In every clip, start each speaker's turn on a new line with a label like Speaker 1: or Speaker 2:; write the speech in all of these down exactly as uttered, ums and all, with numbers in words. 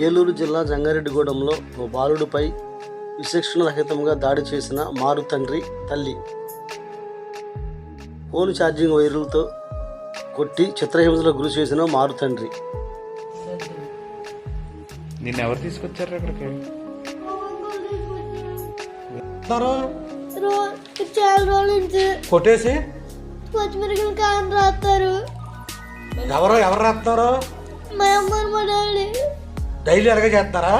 Speaker 1: ఏలూరు జిల్లా జంగారెడ్డిగూడెంలో ఓ బాలుడిపై విచక్షణ రహితంగా దాడి చేసిన మారు తండ్రి తల్లి. ఫోన్ ఛార్జింగ్ వైర్లతో కొట్టి చిత్రహింసలకు గురి చేసిన మారు తండ్రి.
Speaker 2: నిన్న ఎవరు తీసుకొచ్చారు అక్కడికి?
Speaker 3: చాలా రోజుల నుంచి
Speaker 4: కొట్టేసి
Speaker 3: పచ్చిమిరకాయలు కారం రాస్తారు.
Speaker 4: ఎవరు ఎవరు రాస్తారు?
Speaker 3: మా అమ్మ మా డాడీ.
Speaker 4: డైలీ అలాగే చేస్తారా?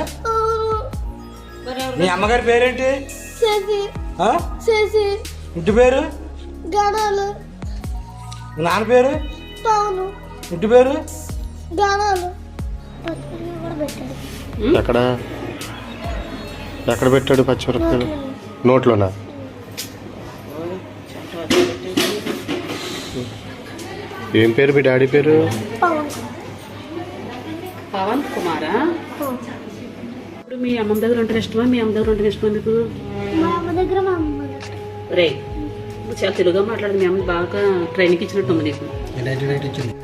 Speaker 4: మీ అమ్మగారి పేరేంటి?
Speaker 3: చేసి
Speaker 4: ఆ?
Speaker 3: చేసి
Speaker 4: ఇంటి పేరు?
Speaker 3: గానాలు.
Speaker 4: మీ నాన్న పేరు?
Speaker 3: పవను.
Speaker 4: ఇంటి పేరు?
Speaker 3: గానాలు.
Speaker 5: ఎక్కడ ఎక్కడ పెట్టాడు పచ్చిమిరపకాయలు? నోట్లోనా? ఏం పేరు మీ డాడీ పేరు?
Speaker 3: పవన్.
Speaker 6: పవన్ కుమారా? ఇప్పుడు మీ అమ్మ దగ్గర ఉంటే ఇష్టమా, మీ అమ్మ దగ్గర ఉంటే ఇష్టమా మీకు?
Speaker 3: మా అమ్మ దగ్గర మా అమ్మ దగ్గర.
Speaker 6: రే, నువ్వు చాలా తెలుగుగా మాట్లాడదు. మీ అమ్మ బాగా ట్రైనింగ్ ఇచ్చినట్టుంది నీకు.
Speaker 4: నైన్టీ నైన్టీ ఇచ్చింది.